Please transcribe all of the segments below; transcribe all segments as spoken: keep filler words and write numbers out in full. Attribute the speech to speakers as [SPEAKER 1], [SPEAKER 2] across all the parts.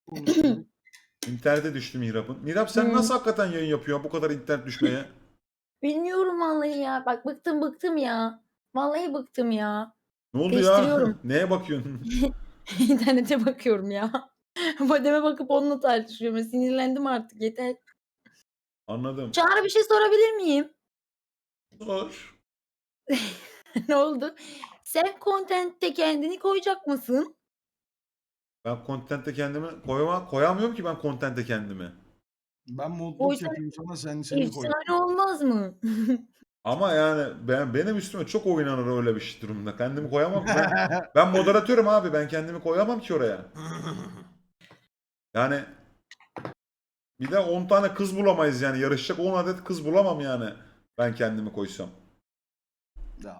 [SPEAKER 1] Konuşuyoruz.
[SPEAKER 2] İnternete düştü Mihrap'ın. Mihrap sen
[SPEAKER 1] Hıı.
[SPEAKER 2] nasıl hakikaten yayın yapıyorsun bu kadar internet düşmeye?
[SPEAKER 1] Bilmiyorum vallahi ya. Bak bıktım bıktım ya. Vallahi bıktım ya.
[SPEAKER 2] Ne oldu ya?
[SPEAKER 1] Değiştiriyorum.
[SPEAKER 2] Neye bakıyorsun?
[SPEAKER 1] İnternete bakıyorum ya. Modeme bakıp onunla tartışıyorum. Sinirlendim artık yeter.
[SPEAKER 2] Anladım.
[SPEAKER 1] Çağrı bir şey sorabilir miyim?
[SPEAKER 2] Sor.
[SPEAKER 1] Ne oldu? Sen content'te kendini koyacak mısın?
[SPEAKER 2] Ben content'e kendimi koyama koyamıyorum ki ben content'e kendimi.
[SPEAKER 3] Ben modluk
[SPEAKER 1] Koysan
[SPEAKER 3] yapayım sana, sen seni koy.
[SPEAKER 1] efsane olmaz mı?
[SPEAKER 2] Ama yani ben benim üstüme çok oynanır öyle bir şey durumda. Kendimi koyamam ki ben. Ben moderatörüm abi. Ben kendimi koyamam ki oraya. Yani bir de on tane kız bulamayız yani. Yarışacak on adet kız bulamam yani. Ben kendimi koysam.
[SPEAKER 3] Ya.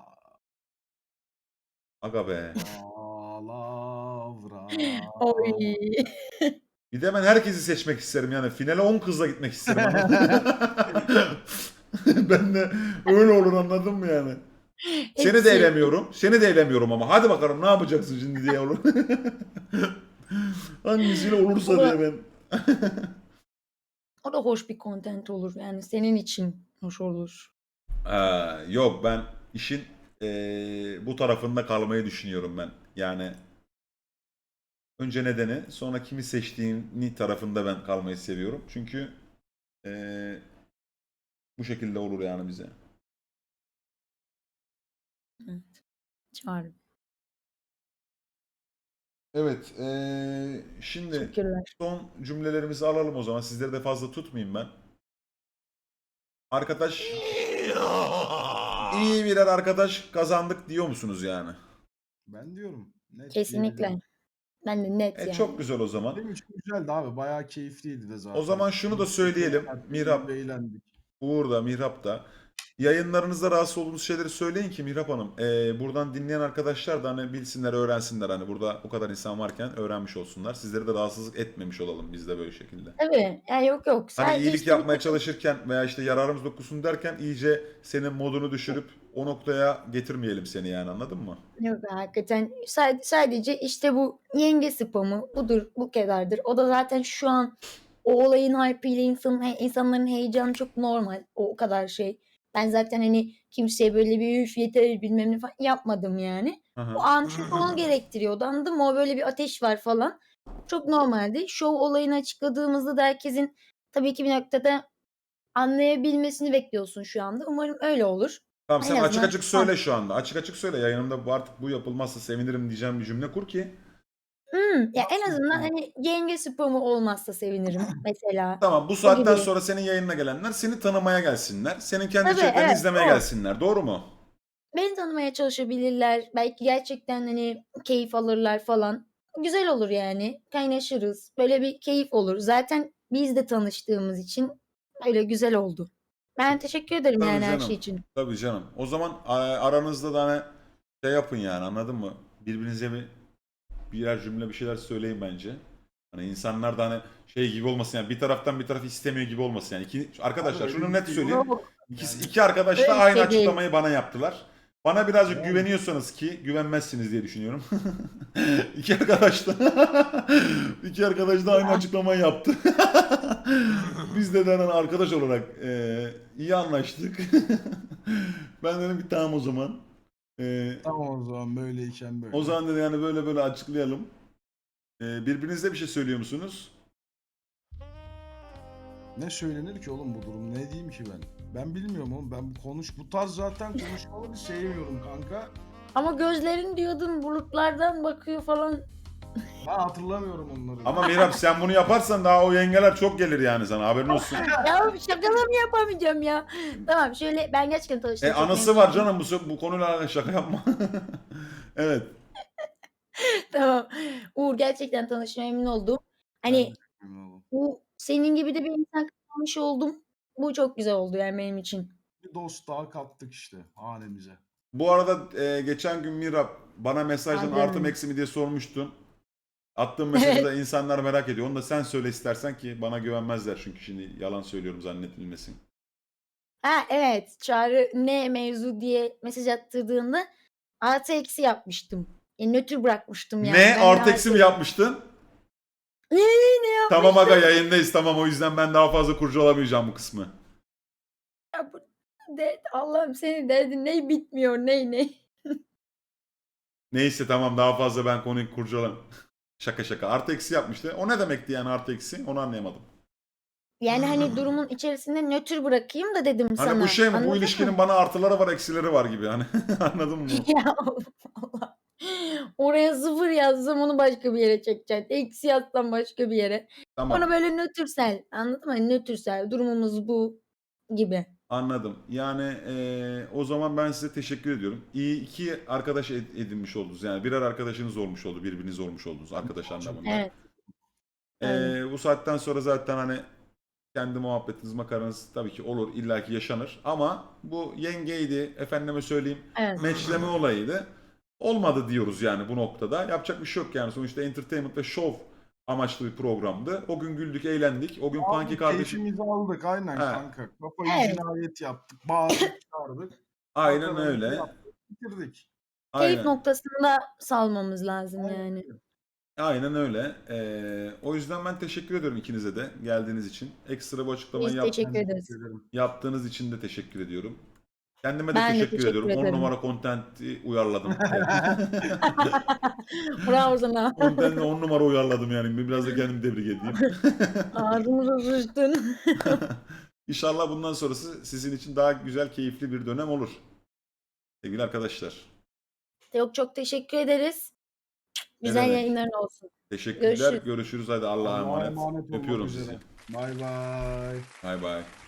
[SPEAKER 2] Aga be.
[SPEAKER 3] Palavra.
[SPEAKER 1] Oy.
[SPEAKER 2] Bir de ben herkesi seçmek isterim yani. Finale on kızla gitmek isterim. Anladın mı? Ben de öyle olur anladın mı yani? Seni de
[SPEAKER 1] Hepsi.
[SPEAKER 2] elemiyorum. Seni de elemiyorum ama. Hadi bakalım ne yapacaksın şimdi diye olur. Hangisiyle olursa
[SPEAKER 1] O da,
[SPEAKER 2] diye ben.
[SPEAKER 1] o da hoş bir content olur. Yani senin için hoş olur.
[SPEAKER 2] Ee, yok ben işin ee, bu tarafında kalmayı düşünüyorum ben. Yani önce nedeni sonra kimi seçtiğini tarafında ben kalmayı seviyorum. Çünkü ee, bu şekilde olur yani bize.
[SPEAKER 1] Evet. Çağrı.
[SPEAKER 2] Evet ee, şimdi
[SPEAKER 1] Teşekkürler.
[SPEAKER 2] son cümlelerimizi alalım o zaman. Sizleri de fazla tutmayayım ben. Arkadaş iyi birer arkadaş kazandık diyor musunuz yani?
[SPEAKER 3] Ben diyorum. Net
[SPEAKER 1] Kesinlikle.
[SPEAKER 3] diyebilirim.
[SPEAKER 1] Ben de net
[SPEAKER 2] E
[SPEAKER 1] yani.
[SPEAKER 2] çok güzel o zaman.
[SPEAKER 3] Benim için güzeldi abi. Bayağı keyifliydi de zaten.
[SPEAKER 2] O zaman şunu da söyleyelim. Mihrap,
[SPEAKER 3] Eğlendik.
[SPEAKER 2] Uğur da, Mihrap da. Yayınlarınızda rahatsız olduğunuz şeyleri söyleyin ki Mihrap Hanım. e, buradan dinleyen arkadaşlar da hani bilsinler, öğrensinler. Hani burada bu kadar insan varken öğrenmiş olsunlar. Sizleri de rahatsızlık etmemiş olalım biz de böyle şekilde.
[SPEAKER 1] Tabii. Yani yok yok.
[SPEAKER 2] Hani
[SPEAKER 1] Sadece
[SPEAKER 2] iyilik
[SPEAKER 1] işte bir
[SPEAKER 2] yapmaya
[SPEAKER 1] takım-
[SPEAKER 2] çalışırken veya işte yararımız dokusun derken iyice senin modunu düşürüp o noktaya getirmeyelim seni yani anladın mı?
[SPEAKER 1] Yok hakikaten Sa- sadece işte bu yenge spamı budur bu kadardır. O da zaten şu an o olayın hype'ıyla insanın, he- insanların heyecanı çok normal. O, o kadar şey. Ben zaten hani kimseye böyle bir üf yeter bilmem ne falan yapmadım yani.
[SPEAKER 2] Hı hı.
[SPEAKER 1] O an çünkü onu gerektiriyordu anladın mı? O böyle bir ateş var falan. Çok normaldi. Şov olayını açıkladığımızda da herkesin tabii ki bir noktada anlayabilmesini bekliyorsun şu anda. Umarım öyle olur.
[SPEAKER 2] Tamam
[SPEAKER 1] En
[SPEAKER 2] sen açık
[SPEAKER 1] azından
[SPEAKER 2] açık söyle şu anda. Açık açık söyle. Yayınımda bu artık bu yapılmazsa sevinirim diyeceğim bir cümle kur ki.
[SPEAKER 1] Hımm. Ya, en
[SPEAKER 3] Nasıl
[SPEAKER 1] azından,
[SPEAKER 3] bu?
[SPEAKER 1] hani, yenge spamı olmazsa sevinirim mesela.
[SPEAKER 2] Tamam bu
[SPEAKER 1] O
[SPEAKER 2] saatten
[SPEAKER 1] gibi.
[SPEAKER 2] sonra senin yayınına gelenler seni tanımaya gelsinler. Senin kendi
[SPEAKER 1] Tabii,
[SPEAKER 2] içeriklerini
[SPEAKER 1] evet,
[SPEAKER 2] izlemeye
[SPEAKER 1] o.
[SPEAKER 2] gelsinler. Doğru mu?
[SPEAKER 1] Beni tanımaya çalışabilirler. Belki gerçekten, hani, keyif alırlar falan. Güzel olur yani. Kaynaşırız. Böyle bir keyif olur. Zaten biz de tanıştığımız için öyle güzel oldu. Ben teşekkür ederim
[SPEAKER 2] Tabii
[SPEAKER 1] yani her şey
[SPEAKER 2] canım.
[SPEAKER 1] için.
[SPEAKER 2] Tabii canım. O zaman a- aranızda da hani şey yapın yani anladın mı? Birbirinize bir birer cümle bir şeyler söyleyin bence. Hani insanlar da hani şey gibi olmasın yani bir taraftan bir taraf istemiyor gibi olmasın yani. İki, arkadaşlar
[SPEAKER 3] Abi öyle
[SPEAKER 2] şunu
[SPEAKER 3] bir
[SPEAKER 2] net
[SPEAKER 3] şey
[SPEAKER 2] söyleyeyim.
[SPEAKER 3] yok.
[SPEAKER 1] Yok,
[SPEAKER 2] İkisi,
[SPEAKER 3] Yani,
[SPEAKER 2] iki arkadaş da
[SPEAKER 1] öyle bir
[SPEAKER 2] aynı
[SPEAKER 1] şey değil.
[SPEAKER 2] açıklamayı bana yaptılar. Bana birazcık
[SPEAKER 3] yani
[SPEAKER 2] güveniyorsanız ki güvenmezsiniz diye düşünüyorum. İki arkadaş da iki arkadaş da aynı
[SPEAKER 1] Ya,
[SPEAKER 2] açıklamayı yaptı. Biz de denen arkadaş olarak e, iyi anlaştık. Ben dedim ki tamam o zaman. E,
[SPEAKER 3] tamam o zaman böyleyken
[SPEAKER 2] o
[SPEAKER 3] böyle.
[SPEAKER 2] zaman dedi yani böyle böyle açıklayalım. E, birbirinize bir şey söylüyor musunuz?
[SPEAKER 3] Ne söylenir ki oğlum bu durum? Ne diyeyim ki ben? Ben bilmiyorum oğlum. Ben bu konuş bu tarz zaten konuşmaları sevmiyorum kanka.
[SPEAKER 1] ama gözlerin diyordun bulutlardan bakıyor falan.
[SPEAKER 3] Ben hatırlamıyorum onları.
[SPEAKER 2] Ama Mirab sen bunu yaparsan daha o yengeler çok gelir yani sana haberin olsun.
[SPEAKER 1] Ya şakalarını yapamayacağım ya. Tamam şöyle ben gerçekten
[SPEAKER 2] E
[SPEAKER 1] tanıştığıma çok
[SPEAKER 2] anısı
[SPEAKER 1] memnun
[SPEAKER 2] var
[SPEAKER 1] oldum.
[SPEAKER 2] canım bu, bu konuyla alakalı şaka yapma. Evet.
[SPEAKER 1] Tamam. Uğur gerçekten tanıştığıma memnun oldum.
[SPEAKER 3] Ben de
[SPEAKER 1] Hani
[SPEAKER 3] çok memnun oldum.
[SPEAKER 1] bu senin gibi de bir insan kazanmış oldum. Bu çok güzel oldu yani benim için.
[SPEAKER 3] Bir dost daha kattık işte hanemize.
[SPEAKER 2] Bu arada e, geçen gün Mirab bana mesajdan artı mı
[SPEAKER 1] Adem.
[SPEAKER 2] eksi mi diye sormuştun. Attığım mesajı
[SPEAKER 1] Evet.
[SPEAKER 2] da insanlar merak ediyor. Onu da sen söyle istersen ki bana güvenmezler çünkü şimdi yalan söylüyorum zannedilmesin.
[SPEAKER 1] Ha evet. Çağrı ne mevzu diye mesaj attırdığında artı eksi yapmıştım. E, nötr bırakmıştım yani.
[SPEAKER 2] Ne
[SPEAKER 1] Ben de
[SPEAKER 2] artı eksi
[SPEAKER 1] artı
[SPEAKER 2] mi yapmıştın?
[SPEAKER 1] ne
[SPEAKER 2] Tamam aga yayındayız tamam o yüzden ben daha fazla kurcalamayacağım bu kısmı.
[SPEAKER 1] Ya bu de, Allah'ım senin derdin ne bitmiyor ne ne.
[SPEAKER 2] Neyse tamam daha fazla ben konuyu kurcalam. Şaka şaka. Artı eksi yapmıştı. O ne demekti yani artı eksi? Onu anlayamadım.
[SPEAKER 1] Yani hani durumun içerisinde nötr bırakayım da dedim
[SPEAKER 2] Hani
[SPEAKER 1] sana.
[SPEAKER 2] bu şey mi?
[SPEAKER 1] Anladın
[SPEAKER 2] Bu
[SPEAKER 1] mı?
[SPEAKER 2] ilişkinin bana artıları var eksileri var gibi. Hani anladın mı?
[SPEAKER 1] Ya Allah. Oraya sıfır yazsam onu başka bir yere çekeceksin. Eksi yazsam başka bir yere.
[SPEAKER 2] Tamam.
[SPEAKER 1] Onu böyle nötrsel. Anladın mı? Hani nötrsel. Durumumuz bu gibi.
[SPEAKER 2] Anladım. Yani eee, o zaman ben size teşekkür ediyorum. İyi iki arkadaş ed- edinmiş oldunuz. Yani birer arkadaşınız olmuş oldu. Birbiriniz olmuş oldunuz arkadaş anlamında.
[SPEAKER 1] Evet.
[SPEAKER 2] Eee,
[SPEAKER 1] Aynen.
[SPEAKER 2] bu saatten sonra zaten hani kendi muhabbetiniz, makaranız tabii ki olur, illaki yaşanır. Ama bu yengeydi, efendime söyleyeyim,
[SPEAKER 1] Evet.
[SPEAKER 2] meçleme olayıydı. Olmadı diyoruz yani bu noktada. Yapacak bir şey yok yani. Sonuçta entertainment ve show amaçlı bir programdı. O gün güldük, eğlendik. O gün
[SPEAKER 3] Abi
[SPEAKER 2] Punky kardeşim...
[SPEAKER 3] keyfimizi aldık aynen
[SPEAKER 2] He,
[SPEAKER 3] kanka. Kafayı
[SPEAKER 1] Evet.
[SPEAKER 3] cinayet yaptık. Bağırdık çağırdık.
[SPEAKER 2] aynen
[SPEAKER 3] Makaramızı
[SPEAKER 2] öyle.
[SPEAKER 3] yaptık. Bitirdik.
[SPEAKER 1] Keyif
[SPEAKER 2] Aynen.
[SPEAKER 1] noktasında salmamız lazım
[SPEAKER 3] Aynen
[SPEAKER 1] yani.
[SPEAKER 3] öyle.
[SPEAKER 2] Aynen öyle. Ee, o yüzden ben teşekkür ediyorum ikinize de geldiğiniz için. Ekstra bu açıklamayı
[SPEAKER 1] Biz
[SPEAKER 2] yap,
[SPEAKER 1] teşekkür
[SPEAKER 3] Ben
[SPEAKER 1] ederiz.
[SPEAKER 3] teşekkür ederim.
[SPEAKER 2] yaptığınız için de teşekkür ediyorum. Kendime de
[SPEAKER 1] Ben de
[SPEAKER 2] teşekkür
[SPEAKER 1] teşekkür
[SPEAKER 2] ediyorum. on
[SPEAKER 1] ederim.
[SPEAKER 2] numara content'i uyarladım.
[SPEAKER 1] Bravo sana.
[SPEAKER 2] Content'le on numara uyarladım yani. Biraz da kendimi tebrik edeyim.
[SPEAKER 1] Ağzımıza sıçtın.
[SPEAKER 2] İnşallah bundan sonrası sizin için daha güzel, keyifli bir dönem olur. Sevgili arkadaşlar.
[SPEAKER 1] Çok çok teşekkür ederiz.
[SPEAKER 2] Ne
[SPEAKER 1] Güzel
[SPEAKER 2] demek?
[SPEAKER 1] yayınların olsun.
[SPEAKER 2] Teşekkürler.
[SPEAKER 1] Görüşürüz.
[SPEAKER 2] Görüşürüz. Hadi Allah'a
[SPEAKER 3] Allah'a
[SPEAKER 2] emanet.
[SPEAKER 3] emanet olmak
[SPEAKER 2] Öpüyorum
[SPEAKER 3] üzere.
[SPEAKER 2] sizi.
[SPEAKER 3] Bay bay.
[SPEAKER 2] Bay bay.